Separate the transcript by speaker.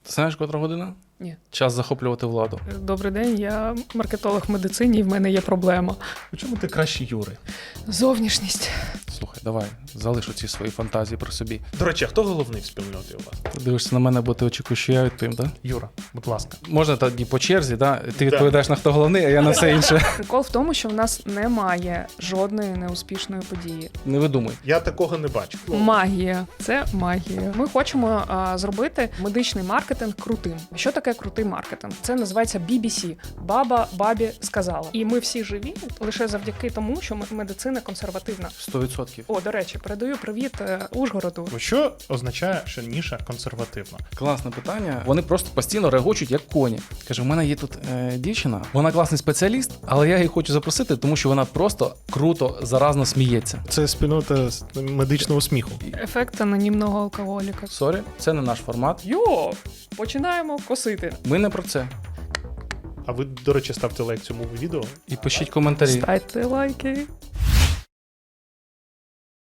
Speaker 1: Ти знаєш, котра година?
Speaker 2: Ні.
Speaker 1: Час захоплювати владу.
Speaker 2: Добрий день, я маркетолог в медицині, і в мене є проблема.
Speaker 3: У чому ти краще Юри?
Speaker 2: Зовнішність.
Speaker 1: Слухай, давай, залиш ці свої фантазії про собі.
Speaker 3: До речі, а хто головний в спільноті у вас?
Speaker 1: Ти дивишся на мене, бо ти очікуєш, що я відповім, так?
Speaker 3: Юра, будь ласка.
Speaker 1: Можна тоді по черзі, да? Ти відповідаєш на хто головний, а я на все інше.
Speaker 2: Прикол в тому, що в нас немає жодної неуспішної події.
Speaker 1: Не видумуй.
Speaker 3: Я такого не бачу.
Speaker 2: Магія. Це магія. Ми хочемо зробити медичний маркетинг крутим. Що таке крутий маркетинг? Це називається BBC. Баба бабі сказала. І ми всі живі лише завдяки тому, що медицина консервативна.
Speaker 1: 100%.
Speaker 2: О, до речі, передаю привіт Ужгороду.
Speaker 3: Що означає, що ніша консервативна?
Speaker 1: Класне питання. Вони просто постійно регочуть, як коні. Каже, у мене є тут дівчина, вона класний спеціаліст, але я її хочу запросити, тому що вона просто круто, заразно сміється.
Speaker 3: Це спільнота медичного сміху.
Speaker 2: Ефект анонімного алкоголіка.
Speaker 1: Сорі, це не наш формат.
Speaker 2: Йо! Починаємо косити.
Speaker 1: Ми не про це.
Speaker 3: А ви, до речі, ставте лайк цьому відео.
Speaker 1: І пишіть коментарі.
Speaker 2: Ставте лайки.